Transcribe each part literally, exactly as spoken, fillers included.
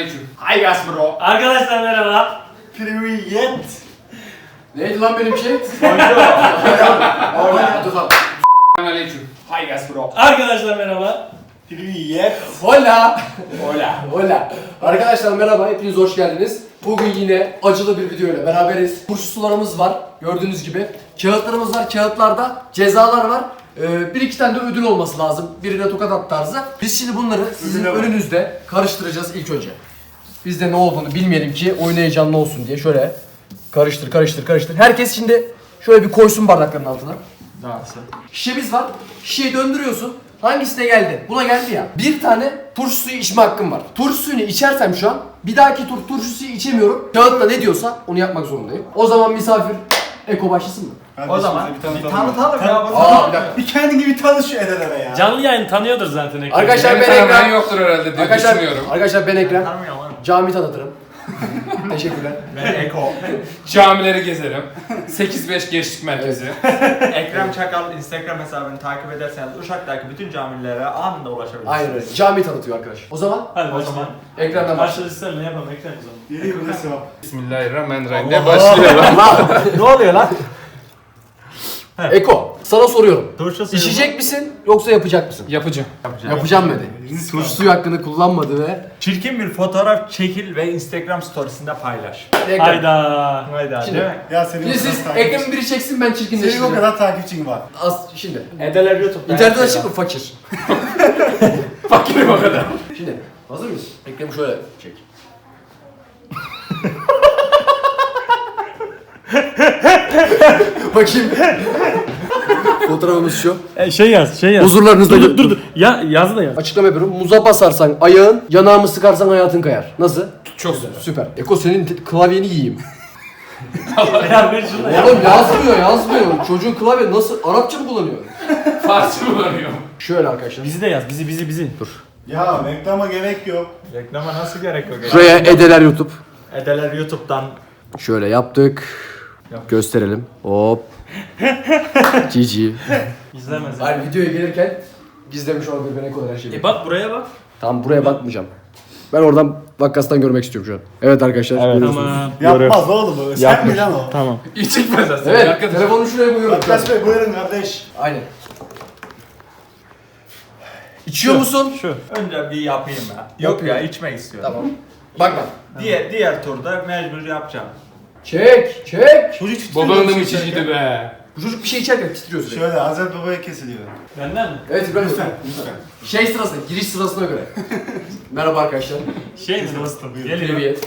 Selamünaleyküm. Hi guys bro. Arkadaşlar merhaba. Привет. Neydi lan benim şey? Hola. Dur lan. Selamünaleyküm. Hi guys bro. Arkadaşlar merhaba. Привет. Hola. Hola. Hola. Arkadaşlar merhaba, hepiniz hoş geldiniz. Bugün yine acılı bir video ile beraberiz. Turşu sularımız var, gördüğünüz gibi. Kağıtlarımız var, kağıtlarda cezalar var. Ee, bir iki tane de ödül olması lazım. Birine tokat at tarzı. Biz şimdi bunları sizin önünüzde karıştıracağız ilk önce. Biz de ne olduğunu bilmeyelim ki oyun heyecanlı olsun diye şöyle karıştır karıştır karıştır. Herkes şimdi şöyle bir koysun bardakların altına. Nasıl? Şişemiz var. Şişeyi döndürüyorsun. Hangisine geldi? Buna geldi ya. Bir tane turşu suyu içme hakkım var. Turşu suyunu içersem şu an bir dahaki tur turşu suyu içemiyorum. Kağıtla ne diyorsa onu yapmak zorundayım. O zaman misafir Eko başlasın mı? O zaman bir tanıtalım ya. Aa bir dakika. Bir kendini bir tanış şu Edelere ya. Canlı yayın tanıyordur zaten Ekrem. Arkadaşlar Benim ben tanımayan Ekrem. yoktur herhalde diye Arkadaşlar, düşünüyorum. arkadaşlar ben Ekrem. Tanımıyorum lan. Cami tanıtırım. Teşekkürler. Ben Eko. Camileri gezerim. sekiz beş Gençlik Merkezi. Ekrem Çakal Instagram hesabını takip ederseniz Uşak'taki bütün camilere anında ulaşabilirsiniz. Aynen öyle. Cami tanıtıyor arkadaş. O zaman Hadi O o zaman zaman. Ekrem'den başla. Başladı sen ne yapalım Ekrem o zaman. Yeri burası o. Bismillahirrahmanirrahim. Ne başlıyor lan? ne oluyor lan? Eko, sana soruyorum. Turşu suyu. İçecek misin yoksa yapacak mısın? Yapacağım. Yapacağım dedi. Turşu suyu hakkını kullanmadı ve Çirkin bir fotoğraf çekil ve Instagram storiesinde paylaş. Ekrem. Hayda. Haydi Şimdi- değil mi? Ya senin Şimdi o kadar siz takipçin- Ekrem'in biri çeksin ben Senin o çirkinleştireceğim. kadar takipçin var. Az şimdi. Edeler YouTube'da. İnternet açık mı? Fakir. Fakirim o kadar. Şimdi hazır mıyız? Ekrem'i şöyle çek. Bakayım. Fotoğrafımız şu. E, şey yaz, şey yaz. Huzurlarınızda Dur dur dur. Ya yaz da yaz. Açıklama yapıyorum. Muza basarsan ayağın, yanağımı sıkarsan hayatın kayar. Nasıl? Çok güzel. Süper. Eko senin te- klavyeni yiyeyim. Ya ver şunu da ya. Oğlum yazmıyor yazmıyor. Çocuğun klavye nasıl? Arapça mı kullanıyor? Farsça kullanıyorum. Şöyle arkadaşlar. Bizi de yaz, bizi bizi bizi. Dur. Ya reklama gerek yok. Reklama nasıl gerek yok? Şuraya Edeler YouTube. Edeler YouTube'dan. Şöyle yaptık. Gösterelim. Hop. Cici. İzlemez. Hayır videoya gelirken gizlemiş olabilir ben Eko'dan her şeyi. E bak buraya bak. Tamam buraya bakmayacağım. Ben oradan vakkastan görmek istiyorum şu an. Evet arkadaşlar. görüyorsunuz. Tamam. Yapmaz oğlum o. Sen mi lan o? Tamam. İyi çıkmaz aslında. Evet Arkadaşlar. telefonu şuraya koyuyorum. Arkadaş Bey buyurun kardeş. Aynen. İçiyor musun? Şu. Önce bir yapayım ya. Yok ya içmek istiyorum. Tamam. Bakma. Diğer diğer turda mecbur yapacağım. Çek, çek. Çocuk titriyor. Babanın da musun mı sen? çizgiydi be? Bu çocuk bir şey içerken titriyor sürekli. Şöyle Hazreti Baba'ya kesiliyor. Benden mi? Evet İbrahim. Lütfen, lütfen. Şey sırasına, giriş sırasına göre. Merhaba arkadaşlar. Şey mi dostum? Geliyor. Triviyet.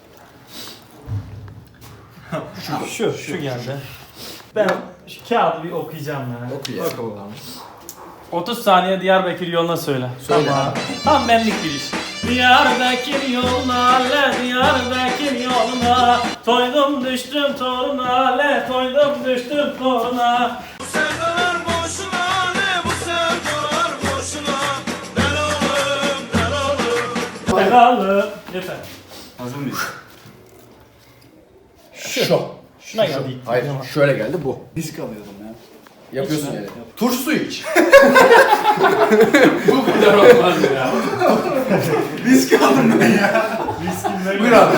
Şu, şu geldi. Ben şu kağıdı bir okuyacağım ya. Oku ya. otuz saniye Diyarbakır yoluna söyle. Söyle. Tam benlik bir iş. Diyarbakır yoluna, le Diyarbakır yoluna. Toydum düştüm toruna, le toydum düştüm toruna. Bu sevdalar boşuna ne bu sevdalar boşuna. Del oğlum del oğlum. Belalı. Yeter. Hazır mıyız? Şu. Şuna geldi. Hayır, şöyle geldi bu. Risk alıyorum ya. Yapıyorsun yani. Turşu suyu iç. Bu kadar olmaz ya. Risk aldım ben ya. Buyur abi.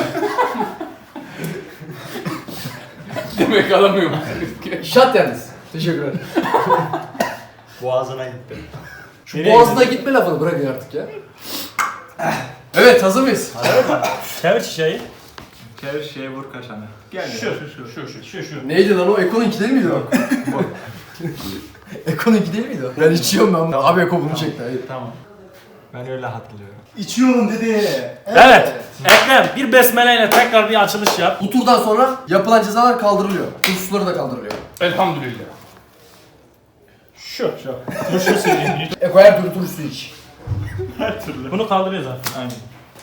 Demek alamıyorum. Şat yalnız. Teşekkür ederim. Boğazına gitti. Şu boğazına gitme lafını bırakın artık ya. Evet hazır mıyız? Çevir şişeyi. Çevir şeye vur kaşanı. Gel Şu, ya. şu, şu, şu, şu, şu. Neydi lan o? Eko'nunki değil miydi o? Eko'nunki değil miydi o? Ben içiyorum ben. Abi Eko bunu çekti. Hayır. Tamam. Ben öyle hatırlıyorum. İçiyorum dedi. Evet. Ekrem bir besmeleyle tekrar bir açılış yap. Bu turdan sonra yapılan cezalar kaldırılıyor. Turşu suları da kaldırılıyor. Elhamdülillah. Şu, şu. Turşu suyu. Eko her türlü turşu suyu iç. Bunu kaldırıyor zaten. Aynen.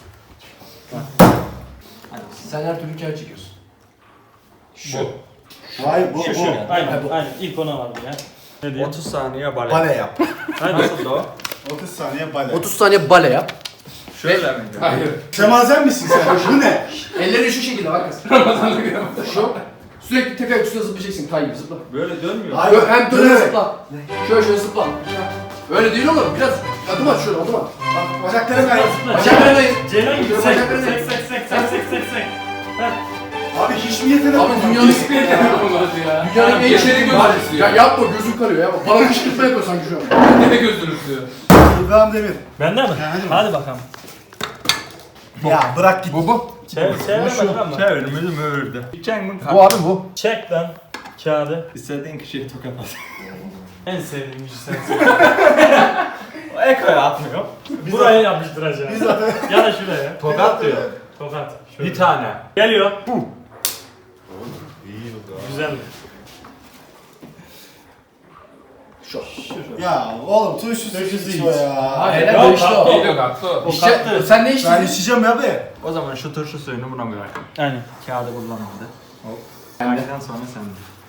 Sen her türlü kağıt çekiyorsun. Şu. Hayır bu Şu, şu. bu. Aynen, aynen. İlk ona vardı ya. Ne diyor? otuz saniye bale. Bale yap. Hadi. Nasıl o? otuz saniye bale. otuz saniye bale yap. Şöyle miydi? Hayır. Semazen misin sen? Bu ne? Ellerini şu şekilde bak kız. Ramazanlık yapma. Şu. Sürekli tek ayak üstüne zıplayacaksın. Kay gibi zıpla. Böyle dönmüyor. Hayır. Hem döne zıpla. Şöyle şöyle zıpla. Öyle değil oğlum. Biraz adım at şöyle adım at. Bak bacaklarım kayıp. Bacaklarına in. Ceylan gibi. Sek Bacaklarını- sek sek sek sek sek sek sek. Abi hiç mi yetenek Abi yok? dünyanın Hiçbir yere yapamadı ya. dünyanın en Geçeri şey gözünü Ya ya. yapma gözüm kanıyor ya. Bana kışkırtma yapıyor sanki şu an. Ne gözünü sürüyor. İbrahim Demir. Bende mi? hadi Hadi bakalım. Ya bırak git. Bu bu. Çevir çevir ama. Çevirimizi mühürdü. Gideceksin mi? Bu abi bu. Çek lan kağıdı. İstediğin kişiye tokat at. En sevdiğim işi sensin. Eko'ya atmıyor. Buraya yapıştıracağım. Ya da şuraya. Tokat diyor. Tokat. Şöyle. Bir tane. Geliyor. Güzel. Şu. Ya oğlum turşusu Turşusu hiç hiç. o ya. Hayır Yok, değişti o. kalktı. Geliyor kalktı. İşte, sen ne Ben içtin? içeceğim ya be. O zaman şu turşu suyunu buna bırak. Aynen. Kağıdı kullanmadı. Hop. Kağıdından sonra sende.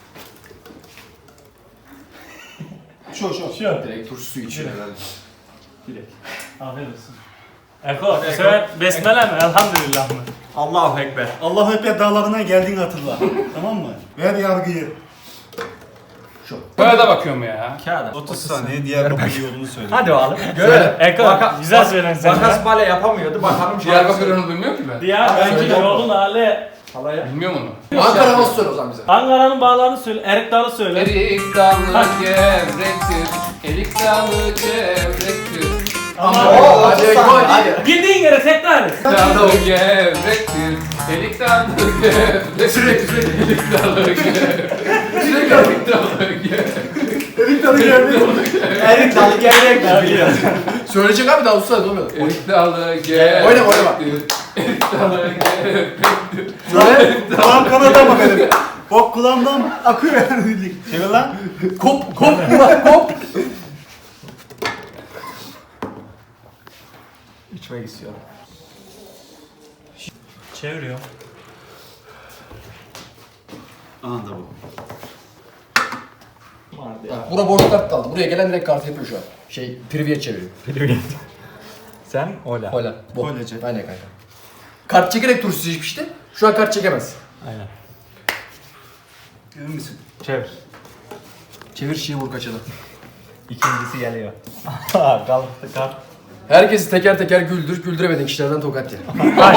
Şu şu. Şu. Direkt turşu suyu içiyor herhalde. Afiyet olsun. Eko, bu sefer besmele mi? Elhamdülillah mı? Allahu Ekber. Allahu Ekber dağlarına geldiğini hatırla. Tamam mı? Ver yargıyı. Böyle de bakıyorum ya. Kağıda. otuz saniye diğer bakın yolunu söyle. Hadi oğlum. Görelim. Eko, Baka- güzel bak- söylen sen. Makas bale yapamıyordu. Bakalım şu Diyarbakır onu bilmiyor ki ben. Diyarbakır Söyle. yolun hali. Halaya. Bilmiyorum onu. Ankara havası söyle o zaman bize. Ankara'nın bağlarını söyle, Erik Dalı söyle. Erik dalı gevrektir. Erik dalı gevrektir. Ama Oo, Hadi otuz Eko saniye. hadi. bildiğin yere tekrar et. Dalı gevrektir. Erik dalı gevrektir. Sürekli sürekli. Erik dalı gevrektir. Sürekli erik dalı gevrektir. Erik tadı geldi. Erik dalı gevrek mi biliyor? Söyleyecek abi daha usta olmadı. Erik dalı gevrektir. Oynama, oynama. Erik dalı gevrektir. Söyle. Kulağım kanada bak benim. Bok kulağımdan akıyor yani. Çevir lan. Kop kop kop. İçmek istiyorum. Çeviriyor. Anında bu. Vardı ya. Bura boş kart kaldı. Buraya gelen direkt kart yapıyor şu an. Şey privyet çeviriyor. Sen ola. Hola. Bu. Hollacı. Aynen kanka. Kart çekerek turşusu içmişti. Şu an kart çekemez. Aynen. Emin misin? Çevir. Çevir şişeyi vur kaçalım. İkincisi geliyor. Kalktı kart. Herkesi teker teker güldür. Güldüremediğin kişilerden tokat ye.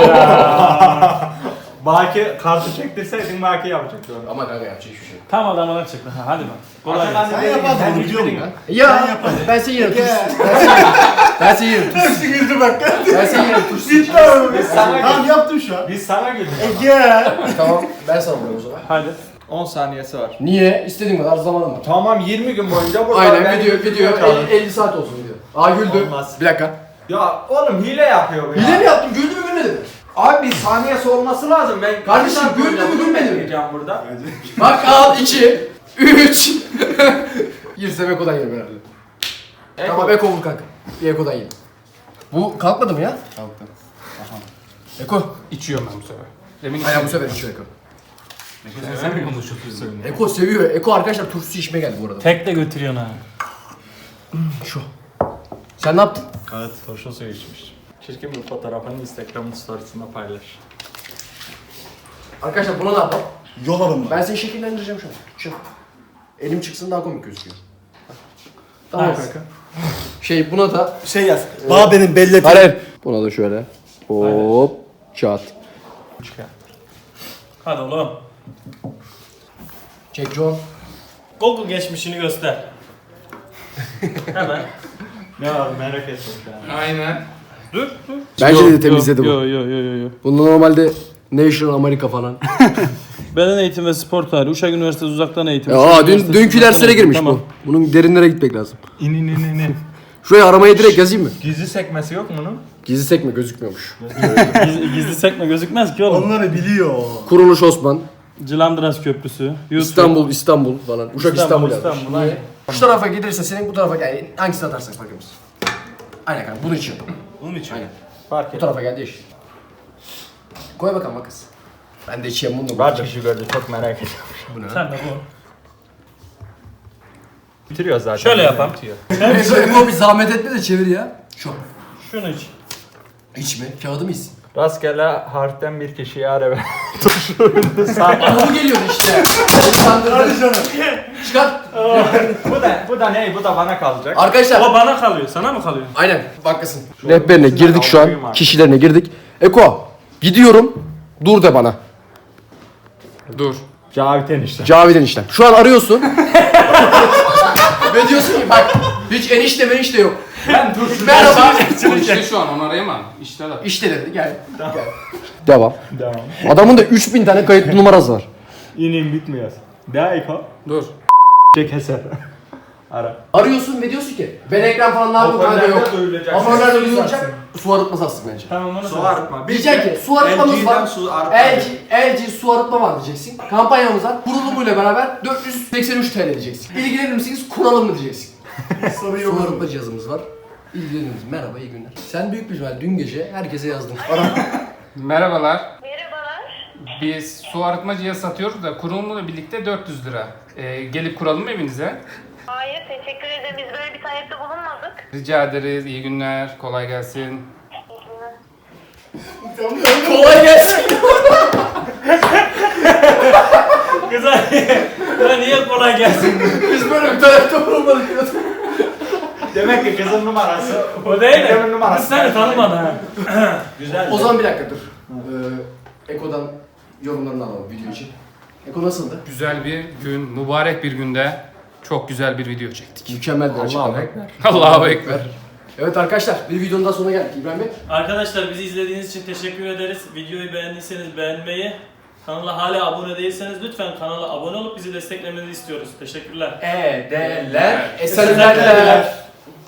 Baki kartı çektirseydin Baki yapacaktı onu. Ama kanka yapacak hiçbir şey yok. Tam adamına çıktı. Ha, hadi bak. Kolay gelsin. Sen yapardın bunu biliyor musun? Ya yap hadi. ben seni yerim Gel. turşusu. Ben seni yerim turşusu. Hepsi güldü bak. Ben seni yerim turşusu. Bitti abi. Biz sana Tamam güldük. yaptım şu an. Biz sana güldük. E gel. Tamam ben sana vuruyorum o zaman. Hadi. on saniyesi var. Niye? İstediğin kadar zamanım var. Tamam yirmi gün boyunca burada Aynen ben- video video elli, elli saat olsun video. Aa güldü. Olmaz. Bir dakika. Ya oğlum hile yapıyor bu ya. Hile mi yaptın? Güldü mü gülmedi mi? Abi bir saniyesi olması lazım. Ben Kardeşim, kaç saat güldü mü, boyunca bunu gülmedi mi? bekleyeceğim burada. Bak al iki, üç. Girsem Eko'dan yerim herhalde. Eko. Tamam Eko vur kanka. Bir Eko'dan yerim. Bu kalkmadı mı ya? Kalktı. Eko. İçiyorum ben bu sefer. Demin Aynen bu sefer içiyor Eko. Sen mi konuşuyorsun? Eko seviyor. Eko arkadaşlar turşusu içmeye geldi bu arada. Tek de götürüyorsun ha. Şu. Sen ne yaptın? Evet, turşu suyu içmiş. Çirkin bir fotoğrafını Instagram'ın storiesinde paylaş. Arkadaşlar buna ne yapalım? Yol alın bak. Ben seni şekillendireceğim şu an. Şu. Elim çıksın daha komik gözüküyor. Tamam Nice. kanka. Şey buna da Şey yaz. Bağ benim belli. Hayır. Buna da şöyle. Hop. Çat. Hadi oğlum. Çek John. Google geçmişini göster. Hemen. Ne var merak ettim şu an. Aynen. Dur dur. Bence de temizledi bu. Yo yo yo yo yo. Bunda normalde National Amerika falan. Beden eğitim ve spor tarihi. Uşak Üniversitesi uzaktan eğitim. Ya, Uşak aa dün Üniversitesi dünkü uzaktan derslere eğitim. girmiş Tamam. bu. Bunun derinlere gitmek lazım. İn in in in in. Şuraya aramaya direkt yazayım mı? Gizli sekmesi yok mu bunun? Gizli sekme gözükmüyormuş. Gizli, gizli sekme gözükmez ki oğlum. Onları biliyor. Kuruluş Osman. Cilandıras Köprüsü. YouTube. İstanbul, İstanbul falan. Uşak İstanbul, İstanbul, yazmış. İstanbul, aynen. Şu tarafa gelirse senin bu tarafa yani hangisini atarsak fark etmez. Aynen kanka bunun için. Onun için. Aynen. Fark Bu et. tarafa geldi iş. Koy bakalım makas. Ben de içeyim bunu. Var kişi gördü çok merak ediyorum. Bu ne? Sen de bu. Bitiriyor zaten. Şöyle yapalım. Bitiyor. Eko bir zahmet etme de çevir ya. Şu. Şunu iç. İç mi? Kağıdı mı içsin? Rastgele harften bir kişiye ara ver. Ama bu geliyordu işte. Seni kandırdın. Hadi canım. Çıkart. bu da bu da ne? Bu da bana kalacak. Arkadaşlar O bana kalıyor. Sana mı kalıyor? aynen bakasın. Rehberine girdik şu an. Kişilerine girdik. Eko gidiyorum. Dur de bana. Dur. Cavit enişte. Cavit eniştem. Şu an arıyorsun. Ve diyorsun ki bak hiç enişte menişte yok. Ben dur. Merhaba. O işte şu an onu arayamam. İşte de. İşte dedi gel. Gel. Devam. Devam. Adamın da üç bin tane kayıtlı numarası var. İnim bitmiyor. Daha iko. Dur. Çek eser. Ara. Arıyorsun ve diyorsun ki ben ekran falan ne yapayım kanka yok. Hoparlörde duyulacak. Hoparlörde Sessiz duyulacak. zaten. Su arıtması aslında bence. Tamam onu Su söyle. arıtma. Diyeceksin ki su arıtmamız var. Su arıtma. L G, L G su arıtma var diyeceksin. Kampanyamız var. Kurulumuyla beraber dört yüz seksen üç T L diyeceksin. İlgilenir misiniz? Kuralım mı diyeceksin. Su arıtma cihazımız var. İlgilenir misiniz? Merhaba iyi günler. Sen büyük bir ihtimal dün gece herkese yazdın. Ara. Merhabalar. Merhabalar. Biz su arıtma cihazı satıyoruz da kurulumla birlikte dört yüz lira. Ee, gelip kuralım mı evinize? Hayır, teşekkür ederim. Biz böyle bir talepte bulunmadık. Rica ederiz. İyi günler. Kolay gelsin. Kolay gelsin. Güzel. Ya niye kolay gelsin? Biz böyle bir tarafta bulunmadık. Demek ki kızın numarası. O değil Dedemin mi? numarası. Biz seni tanımadı ha. Güzel. O zaman bir dakika dur. Ee, Eko'dan yorumlarını alalım video için. Eko nasıldı? Güzel bir gün, mübarek bir günde çok güzel bir video çektik. Mükemmel bir açıklama. Allahu Ekber. Evet arkadaşlar bir videonun daha sonuna geldik. İbrahim Bey. Arkadaşlar bizi izlediğiniz için teşekkür ederiz. Videoyu beğendiyseniz beğenmeyi, kanala hala abone değilseniz lütfen kanala abone olup bizi desteklemenizi istiyoruz. Teşekkürler. E, D, L, Esenlikler.